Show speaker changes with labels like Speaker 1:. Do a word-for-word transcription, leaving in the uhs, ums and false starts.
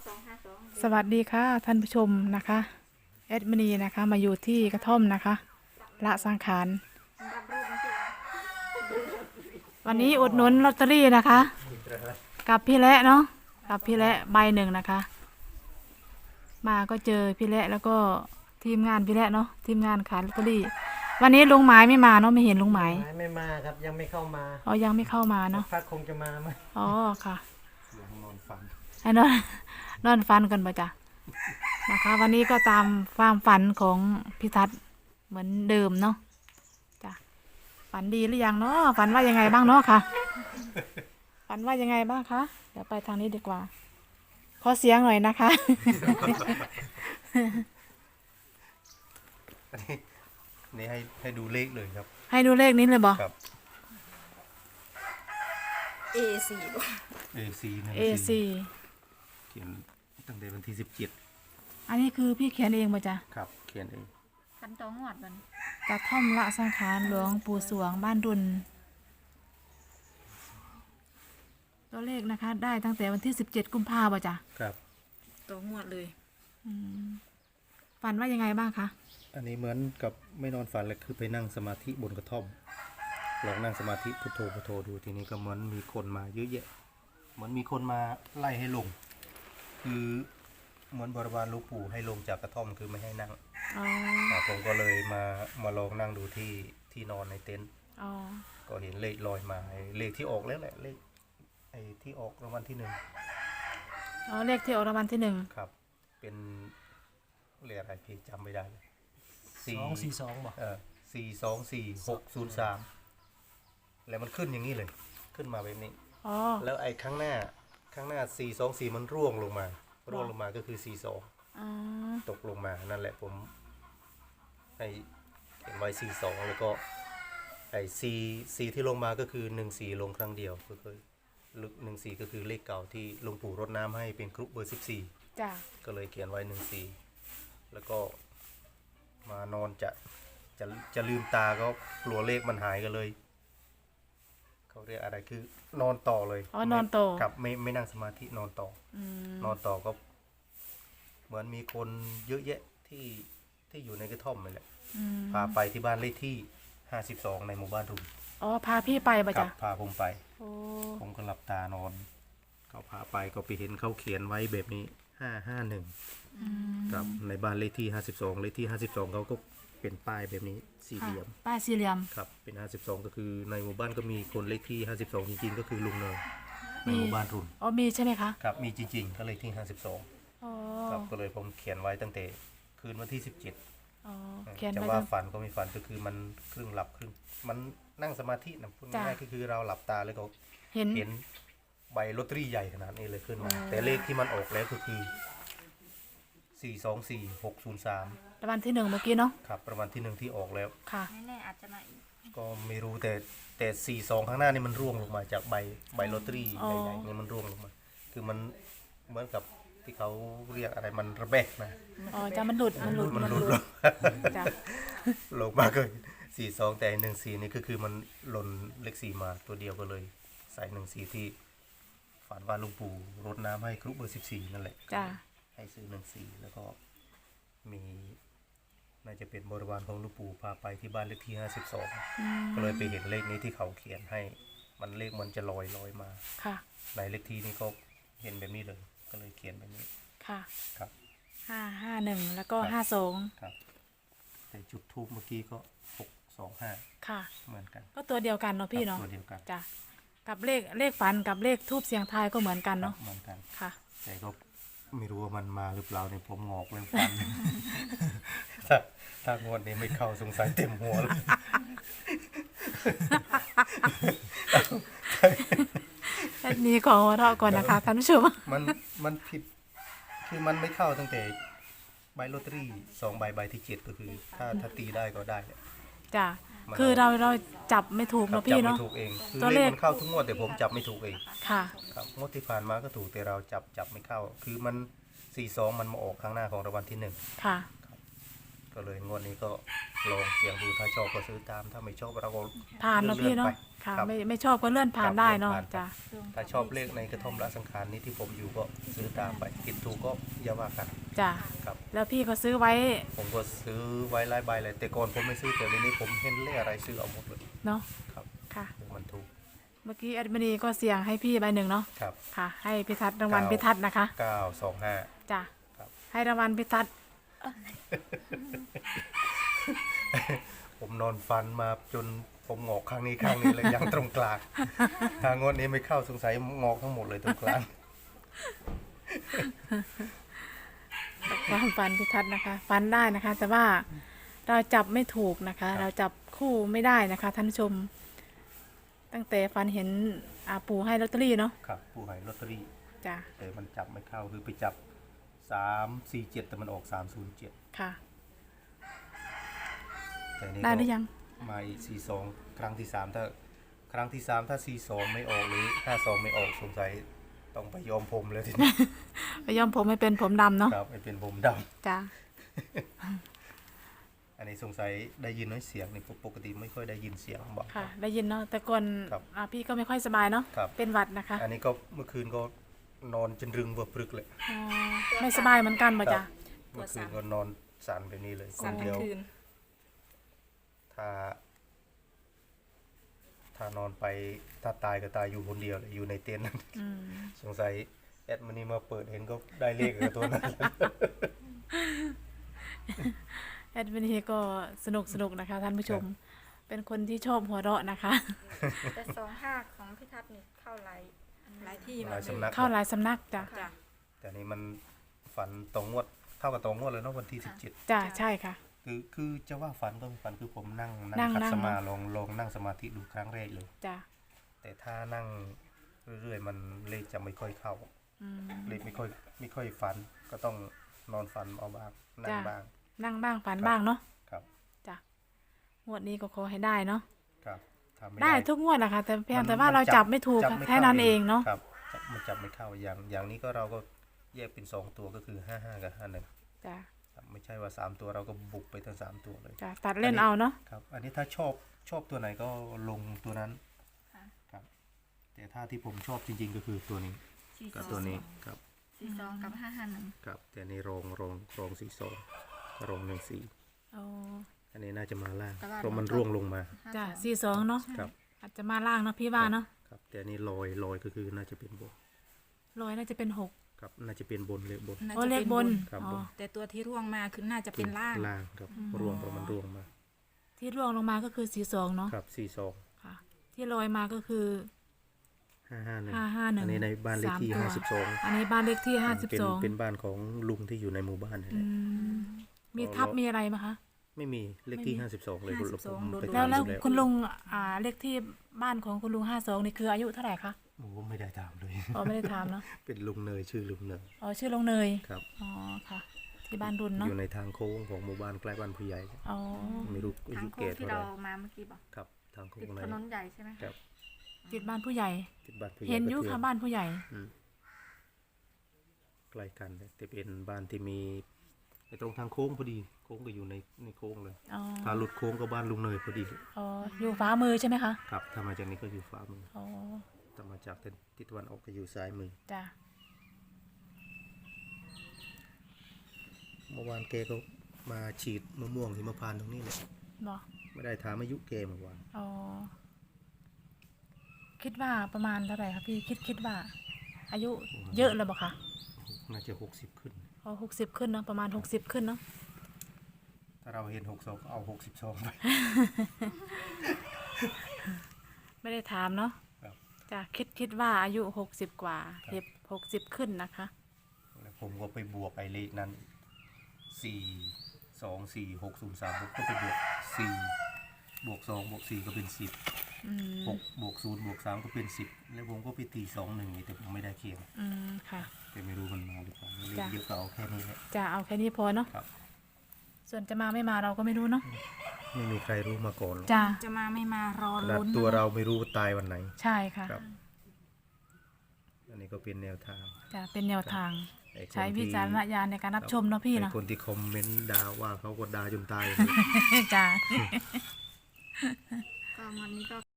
Speaker 1: สวัสดีค่ะท่านผู้ชมนะคะแอดมินีนะคะมาอยู่ที่กระท่อมนะคะละสังขารวันนี้อุดหนุนลอตเตอรี่นะคะกับพี่และเนาะกับพี่และใบหนึ่งนะคะมาก็เจอพี่และแล้วก็ทีมงานพี่และเนาะทีมงานขายลอตเตอรี่วันนี้ลุงหมายไม่มาเนาะไม่เห็นลุงหมาย
Speaker 2: ไม่มาครับยังไม่เข้ามา
Speaker 1: อ๋อยังไม่เข้ามาเนาะ
Speaker 2: พักคงจะมาไหม
Speaker 1: อ๋อค่ะ
Speaker 2: นอนฝัน
Speaker 1: ไอ้นอนนอนฟันกันปะจ๊ะนะคะวันนี้ก็ตามความฝันของพี่ทัศน์เหมือนเดิมเนาะจ้ะฝันดีหรือยังเนาะฝันว่ายังไงบ้างเนาะค่ะฝันว่ายังไงบ้างคะเดี๋ยวไปทางนี้ดีกว่าขอเสียงหน่อยนะคะ
Speaker 3: อันนี้นี่ให้ให้ดูเลขเลยครับ
Speaker 1: ให้ดูเลขนี้เลยบอ
Speaker 3: ครับ
Speaker 4: เอ สี่
Speaker 3: เอ ซี นะ
Speaker 1: เอ ซี
Speaker 3: เขียนตั้งแต่วันที่สิบเจ็ด
Speaker 1: อันนี้คือพี่เขียนเองปะจ๊ะ
Speaker 3: ครับเขียนเอง
Speaker 4: พันตองหวดมัน
Speaker 1: กระท่อมละสังขารหลวงปู่สวงบ้านดุลตัวเลขนะคะได้ตั้งแต่วันที่สิบเจ็ดกุมภาพันธ์ปะจ๊ะ
Speaker 3: ครับ
Speaker 4: ตองหวดเลย
Speaker 1: ฝันว่ายังไงบ้างคะ
Speaker 3: อันนี้เหมือนกับไม่นอนฝันเลยคือไปนั่งสมาธิบนกระท่อมลองนั่งสมาธิพุทโธพุทโธดูทีนี้ก็เหมือนมีคนมาเยอะแยะเหมือนมีคนมาไล่ให้ลงคือเหมือนบริวารหลวงปู่ให้ลงจากกระท่อมคือไม่ให้นั่งผมก็เลยมามาลองนั่งดูที่ที่นอนในเต็นท์ก็เห็นเลขลอยมาเลขที่ออกแล้วแหละเลขไอ้ที่ออกรางวัลที่หนึ่ง
Speaker 1: อ๋อเลขที่ออกรางวัลที่หนึ่ง
Speaker 3: ครับเป็นเลขอะไรพี่จำไม่ได้เลย
Speaker 2: สองสี่สองบอก
Speaker 3: เออสี่สองสี่หกศูนย์สามแล้วมันขึ้นอย่างนี้เลยขึ้นมาแบบนี้แล้วไอ้ข้างหน้าข้างหน้าสี่สองสี่มันร่วงลงมาร่วงลงมาก็คือสี่สองตกลงมานั่นแหละผมให้เขียนไว้สี่สองแล้วก็ไอ้สี่สี่ที่ลงมาก็คือหนึ่งสี่ลงครั้งเดียวก็คือลึกหนึ่งสี่ก็คือเลขเก่าที่หลวงปู่รดน้ำให้เป็นกรุ๊ปเบอร์สิบสี่ก็เลยเขียนไว้หนึ่งสี่แล้วก็มานอนจะจะจะลืมตาก็กลัวเลขมันหายกันเลยเขาเรียกอะไรคือนอนต่อเลย
Speaker 1: อ๋อนอนต่อ
Speaker 3: ครับไม่ไม่นั่งสมาธินอนต่อนอนต่อก็เหมือนมีคนเยอะแยะที่ที่อยู่ในกระท่อมนี่แหละพาไปที่บ้านเลขที่ห้าสิบสองในหมู่บ้านรุ่ม
Speaker 1: อ๋อพาพี่ไปปะจ๊ะ
Speaker 3: พาผมไปผมก็หลับตานอนเขาพาไปก็ไปเห็นเขาเขียนไว้แบบนี้ห้าห้าหนึ่งครับในบ้านเลขที่ห้าสิบสองเลขที่ห้าสิบสองเขาก็เป็นป้ายแบบนี้สี่เหลี่ยม
Speaker 1: ป้ายสี่เหลี่ยม
Speaker 3: ครับเป็นห้าสิบสองก็คือในหมู่บ้านก็มีคนเลขที่ห้าสิบสองจริงๆก็คือลุงเนยในหมู่บ้านรุ่น
Speaker 1: อ๋อมีใช่ไหมคะ
Speaker 3: ครับมีจริงๆก็เลขที่ห้าสิบสองครับก็เลยผมเขียนไว้ตั้งแต่คืนวันที่สิบเจ็ดจะว่าฝันก็ไม่ฝันก็คือมันครึ่งหลับครึ่งมันนั่งสมาธินะพูดง่ายๆก็คือเราหลับตาแล้วก็
Speaker 1: เห็น
Speaker 3: เห็นใบลอตเตอรี่ใหญ่ขนาดนี้เลยขึ้นมาแต่เลขที่มันออกแล้วก็คือสี่สองสี่หกศูนย์สาม
Speaker 1: ประมาณที่หนึ่งเมื่อกี้เนาะ
Speaker 3: ครับประมาณที่หนึ่งที่ออกแล้ว
Speaker 1: ค่ะ
Speaker 4: แน่ๆอาจจะมาอีก
Speaker 3: ก็ไม่รู้แต่แต่สี่สองข้างหน้านี่มันร่วงลงมาจากใบใบลอตเตอรี่ใหญ่ๆนี่มันร่วงลงมาคือมันเหมือนกับที่เขาเรียกอะไรมันระแบกนะ
Speaker 1: อ๋อจะมันหลุดมันหลุด
Speaker 3: มันหลุดลงลงมาก็สี่สองแต่หนึ่งสี่นี่ก็คือมันหล่นเลขสี่มาตัวเดียวก็เลยใส่หนึ่งสี่ที่ฝันว่าหลวงปู่รดน้ำให้ครุเบอร์สิบสี่นั่นแหละ
Speaker 1: จ้า
Speaker 3: ให้ซื้อหนึ่งสี่แล้วก็มีน่าจะเป็นบริวารของหลวงปู่พาไปที่บ้านเลขที่ห้าสิบสองก็เลยไปเห็นเลขนี้ที่เขาเขียนให้มันเลขมันจะลอยลอยมา
Speaker 1: ค่ะ
Speaker 3: ในเลขที่นี่ก็เห็นแบบนี้เลยก็เลยเขียนแบบนี้
Speaker 1: ค่ะ
Speaker 3: ครับ
Speaker 1: ห้าห้าหนึ่งแล้วก็ห้าสอง
Speaker 3: ครับแต่จุดทูบเมื่อกี้ก็หกสองห้า
Speaker 1: ค่ะ
Speaker 3: เหมือนกัน
Speaker 1: ก็ตัวเดียวกันเนาะพี่เนาะ
Speaker 3: ตัวเดียวกัน
Speaker 1: จ้ะกับเลขเลขฝันกับเลขทูบเสียงทายก็เหมือนกันเนาะ
Speaker 3: เหมือนกัน
Speaker 1: ค่ะ
Speaker 3: แต่ก็ไม่รู้ว่ามันมาหรือเปล่าเนี่ยผมงอกเรื่องฟันถ้าถ้างวดนี้ไม่เข้าสงสัยเต็มหัวเลย
Speaker 1: แค่นี้ขอเราก่อนนะคะท่านผู้ชม
Speaker 3: มันมันผิดคือมันไม่เข้าตั้งแต่ใบลอตเตอรี่สองใบใบที่เจ็ดก็คือถ้าถ้าตีได้ก็ได้
Speaker 1: จ้ะคือเราเราจับไม่ถูกเนาะพี่เนาะ
Speaker 3: จับไม่ถูกเองตัวเลขมันเข้าทุกงวดแต่ผมจับไม่ถูกเอง
Speaker 1: ค่ะ
Speaker 3: ครับงวดที่ผ่านมาก็ถูกแต่เราจับจับไม่เข้าคือมันสี่สองมันมาออกข้างหน้าของรางวัลที่หนึ่ง
Speaker 1: ค่ะ
Speaker 3: ก็เลยงวดนี้ก็ลองเสี่ยงดูถ้าชอบก็ซื้อตามถ้าไม่ชอบเราก็
Speaker 1: ผ่านเนาะพี่เนาะ
Speaker 3: ลื่อๆไป
Speaker 1: ค่ะ
Speaker 3: รับ
Speaker 1: ไม่ไม่ชอบก็เลื่อนผ่าน
Speaker 3: ครับ
Speaker 1: ได้เนาะ
Speaker 3: เลื่อนผ่าน
Speaker 1: จ้ะ
Speaker 3: ถ้าชอบเลขในกระท่อมละสังขารนี้ที่ผมอยู่ก็ซื้อตามไปผิดถูกก็อย่าว่ากัน
Speaker 1: จ้ะ
Speaker 3: ครับ
Speaker 1: แล้วพี่ก็ซื้อไว้
Speaker 3: ผมก็ซื้อไว้หลายใบเลยแต่ก่อนผมไม่ซื้อแต่เดี๋ยวนี้ผมเห็นเลขอะไรซื้อเอาหมดเลย
Speaker 1: เนาะ
Speaker 3: ครับ
Speaker 1: ค่ะ
Speaker 3: มันถูก
Speaker 1: เมื่อกี้แอดมินีก็เสี่ยงให้พี่ใบหนึ่งเนาะ
Speaker 3: ครับ
Speaker 1: ค่ะ ให้พิทัศน์รางวัล
Speaker 3: เก้า
Speaker 1: พิทัศน์นะคะ
Speaker 3: เก้าสองห้า
Speaker 1: จ้ะ
Speaker 3: ครับ
Speaker 1: ให้รางวัลพิทัศน์
Speaker 3: ผมนอนฟันมาจนผมงอกข้างนี้ข้างนี้เลย ยังตรงกลางทางงวดนี้ไม่เข้าสงสัยงอกทั้งหมดเลยตรงกลาง
Speaker 1: ความฝันพิทัศน์นะคะฝันได้นะคะ แต่ว่าเราจับไม่ถูกนะคะ เราจับคู่ไม่ได้นะคะท่านผู้ชม ตั้งแต่ฝันเห็นอาปูให้ลอตเตอรี่เนาะ
Speaker 3: ครับผู้ให้ลอตเตอรี่
Speaker 1: จ้ะ
Speaker 3: แต่มันจับไม่เข้าคือไปจับสามสี่เจ็ดแต่มันออกสามศูนย์เจ็ด
Speaker 1: ค่ะ
Speaker 3: แต่นี่
Speaker 1: ได้หรือยัง
Speaker 3: มาอีกสี่สองครั้งที่สามถ้าครั้งที่สามถ้าสี่สองไม่ออกหรือห้าสองไม่ออกสงสัยต้องไปยอมผมเลยทีนี้
Speaker 1: ไปย้อมผมให้เป็นผมดำเนาะ
Speaker 3: ครับไม่เป็นผมด
Speaker 1: จ้ะ
Speaker 3: ำอันนี้สงสัยได้ยินน้อยเสียงนี่ปกติไม่ค่อยได้ยินเสียงบอก
Speaker 1: ค่ะ ได้ยินเนาะแต่ก่อน
Speaker 3: ครับ
Speaker 1: อ่าพี่ก็ไม่ค่อยสบายเนาะ
Speaker 3: ครับ
Speaker 1: เป็นหวัดนะคะ
Speaker 3: อันนี้ก็เมื่อคืนก็นอนจนรึงเวับปรึกเลย
Speaker 1: อ๋อไม่สบายเหมือนกันป่ะจ๊ะ
Speaker 3: เมื่อคืนก็นอนสั่นแบบนี้เลยค
Speaker 4: สั่
Speaker 3: น
Speaker 4: น
Speaker 3: เดี
Speaker 4: ทั้
Speaker 3: ยว
Speaker 4: งคืน
Speaker 3: ถ้า ถ้านอนไปถ้าตายก็ตายอยู่คนเดียวเลยอยู่ในเต็นท์นั้น
Speaker 1: อืม
Speaker 3: สงสัยแอดมันนี่มาเปิดเห็นก็ได้เลขกับตัวนั้น
Speaker 1: แอดมินเฮก็สนุกสนุกนะคะท่านผู้ชม เป็นคนที่ชอบหัวเราะนะคะ
Speaker 4: แต่สองห้าของพี่ทัศน์นี่เข้าหลายหลายที่
Speaker 3: หลายสำนัก
Speaker 1: เข้าหลายสำนักจ้ะ
Speaker 4: จ้ะ
Speaker 3: แต่นี่มันฝันตรงงวดเท่ากับตรงงวดเลยเนาะวันที่สิบเจ็ด
Speaker 1: จ้ะใช่ค่ะ
Speaker 3: คือคือจะว่าฝันก็ฝันคือผมนั่ง
Speaker 1: นั่
Speaker 3: นั่
Speaker 1: ง
Speaker 3: งคัด
Speaker 1: นั่ง
Speaker 3: สมาลองลองนั่งสมาธิดูครั้งแรกเลย
Speaker 1: จ้ะ
Speaker 3: แต่ถ้านั่งเรื่อยๆมันเลขจะไม่ค่อยเข้า
Speaker 1: อืม
Speaker 3: เลขไม่ค่อยไม่ค่อยฝันก็ต้องนอนฝันเอาบ้างนั่ง
Speaker 1: จ้ะ
Speaker 3: บ้าง
Speaker 1: นั่งบ้างฝัน
Speaker 3: ครับ
Speaker 1: บ้างเนาะ
Speaker 3: ครับ
Speaker 1: จ้ะงวดนี้ก็ขอให้ได้เนาะ
Speaker 3: ครับถ้าม่
Speaker 1: ได้ทุกงวดนะคะแต่เพียง
Speaker 3: มัน
Speaker 1: แต่ว่าเราจับไม่ถูก
Speaker 3: จับไม่
Speaker 1: แค่
Speaker 3: ข้
Speaker 1: นั้นเองเนาะ
Speaker 3: ครับจับมันจับไม่เข้าอย่างอย่างนี้ก็เราก็แยกเป็นสองตัวก็คือห้าห้ากับห้าหนึ่ง
Speaker 1: จ้ะ
Speaker 3: ครับไม่ใช่ว่าสามตัวเราก็บุกไปทั้งสามตัวเลย
Speaker 1: จ้ะตัดเล่นเอาเนาะ
Speaker 3: ครับ อันนี้ถ้าชอบชอบตัวไหนก็ลงตัวนั้น
Speaker 4: ค่ะ
Speaker 3: ครับแต่ถ้าที่ผมชอบจริงๆก็คือตัวนี้
Speaker 4: สี่ส
Speaker 3: กับ
Speaker 4: อง
Speaker 3: ตัวนี้ครับ
Speaker 4: สี่สองกับห้าห้าหนึ่ง
Speaker 3: ครับแต่นี่รองรองรองสี่สองรองหนึ่งสี่
Speaker 1: เอา
Speaker 3: อันนี้น่าจะมาล่างเพราะมันร่วงลงมา
Speaker 1: จ้ะสี่สองเนาะ
Speaker 3: ครับ
Speaker 1: อาจจะมาล่างเนาะพี่ว่าเนาะ
Speaker 3: ครับแต่อันนี่ลอยลอยก็คือน่าจะเป็นบน
Speaker 1: ร้อยน่าจะเป็นหก
Speaker 3: ครับน่าจะเป็นบนเลยบน
Speaker 4: น่า
Speaker 1: โอ้
Speaker 4: จะ
Speaker 1: เลข
Speaker 4: เป็น
Speaker 1: บบ น
Speaker 4: น
Speaker 3: ครับ
Speaker 1: อ๋
Speaker 3: บ
Speaker 1: อน
Speaker 4: แต่ตัวที่ร่วงมาคือน่าจะเป็นล่าง
Speaker 3: ล่างครับร่วงเพราะมันร่วงมา
Speaker 1: ที่ร่วงลงมาก็คือสี่สองเนาะ
Speaker 3: ครับสี่สอง
Speaker 1: ค่ะ ที่ลอยมาก็คือ
Speaker 3: ห้าห้าหนึ่ง
Speaker 1: ห้าห้าหนึ่ง
Speaker 3: อันนี้ในบ้านเลขที่
Speaker 1: สามตัว
Speaker 3: ห้าสิบสอง
Speaker 1: อันนี้บ้านเลขที่ห้าสิบ
Speaker 3: เป็น
Speaker 1: สอง
Speaker 3: เป็นบ้านของลุงที่อยู่ในหมู่บ้านนี่แห
Speaker 1: อื
Speaker 3: ละ
Speaker 1: มมีทับมีอะไรไหมคะ
Speaker 3: ไม่มีเลขที่ห้าสิบสองเลยคุณลุงผมไป
Speaker 1: แล้ว
Speaker 3: ตาม
Speaker 1: แล้ว
Speaker 3: ดูแล้ว
Speaker 1: คุณลุงอ่าเลขที่บ้านของคุณลุงห้าสองนี่คืออายุเท่าไหร่คะ
Speaker 3: โอ้โหไม่ได้ตามเลย
Speaker 1: อ๋อไม่ได้ถามเนาะ
Speaker 3: เป็นลุงเนยชื่อลุงเนย
Speaker 1: อ๋อชื่อลุงเนย
Speaker 3: ครับ
Speaker 1: อ๋อค่ะ ที่บ้านรุน
Speaker 3: อ
Speaker 1: เนาะ
Speaker 3: ยู่ในทางโค้งของหมู่บ้านใกล้บ้านผู้ใหญ่
Speaker 1: อ๋อ
Speaker 3: ไม่รู้อา
Speaker 4: ทาง
Speaker 3: ยุ
Speaker 4: โค้
Speaker 3: แก่
Speaker 4: งที่
Speaker 3: เท่าไห
Speaker 4: เรา
Speaker 3: ร่
Speaker 4: มาเมื่อกี้บอก
Speaker 3: ครับทางโค้
Speaker 4: ติด
Speaker 3: งไหน
Speaker 4: ถนนใหญ่ใช่ไหม
Speaker 3: ครับ
Speaker 1: ติดบ้านผู้ใหญ่
Speaker 3: ติดบ้านผู้ใหญ่
Speaker 1: เห็นอยุ
Speaker 3: ก็
Speaker 1: ค่ะ
Speaker 3: ทื
Speaker 1: บ้านผู้ใหญ่
Speaker 3: อืมใกล้กันเลยแต่เป็นบ้านที่มีไอ้ตรงทางโค้งพอดีโค้งก็อยู่ในในโค้งเลย
Speaker 1: อ๋อ
Speaker 3: ถ้าหลุดโค้งก็บ้านลุงเนยพอดี
Speaker 1: อ๋ออยู่ฟ้ามือใช่ไหมคะ
Speaker 3: ครับถ้ามาจากนี้ก็อยู่ขวามือ
Speaker 1: อ๋อ
Speaker 3: ถ้ามาจากทิศตะวันออกก็อยู่ซ้ายมือ
Speaker 1: จ้ะ
Speaker 3: เมื่อวานแกก็มาฉีดมะม่วงหิมพานต์ตรงนี้เลย
Speaker 1: บอก
Speaker 3: ไม่ได้ถามอายุแกเมื่อวาน
Speaker 1: อ๋อคิดว่าประมาณเท่าไหร่คะพี่คิดคิดว่า อายุเยอะเลยบอกคะ
Speaker 3: น่าจะหกสิบขึ้น
Speaker 1: อ๋อหกสิบขึ้นเนาะประมาณหกสิบขึ้นเนาะ
Speaker 3: ถ้าเราเห็นหกสองเอาหกสิบสองไป
Speaker 1: ไม่ได้ถามเนาะ
Speaker 3: ครับ
Speaker 1: จ้ะคิดคิดว่าอายุหกสิบกว่าเห็บหกสิบขึ้นนะคะ
Speaker 3: แล้วผมก็ไปบวกไอ้เลขนั้นสี่สองสี่หกศูนย์สามผมก็ไปบวกสี่บวกสองบวกสี่ก็เป็นสิบ
Speaker 1: อืม
Speaker 3: หกบวกศูนย์บวกสามก็เป็นสิบแล้วผมก็ไปตีสองหนึ่งแต่ผมไม่ได้เคียง
Speaker 1: อืมค่ะ
Speaker 3: แต่ไม่รู้มันมาหรือเปล่าเลข
Speaker 1: จ้ะ
Speaker 3: เยอะก็เอาแค่นี้แหละ
Speaker 1: จะเอาแค่นี้พอเนาะ
Speaker 3: ครับ
Speaker 1: ส่วนจะมาไม่มาเราก็ไม่รู้เนาะ
Speaker 3: ไม่มีใครรู้มาก่อนหรอก
Speaker 1: จ้ะ
Speaker 4: จะมาไม่มารอ
Speaker 3: ขนาด
Speaker 4: ลุ้น
Speaker 3: ตัว
Speaker 4: นะ
Speaker 3: เราไม่รู้ว่าตายวันไหน
Speaker 1: ใช่ค่ะ
Speaker 3: ครับ อันนี้ก็เป็นแนวทาง
Speaker 1: จะเป็นแนวทาง
Speaker 3: ไอ้คน
Speaker 1: ใช้วิ
Speaker 3: ที่
Speaker 1: จารณญาณในการรับชมเนาะพี่
Speaker 3: ไอ้
Speaker 1: เนาะ
Speaker 3: คนที่คอมเมนต์ด่าว่าเขาก็ด่าจนตาย
Speaker 1: จ้า
Speaker 4: ก็วันนี้ก็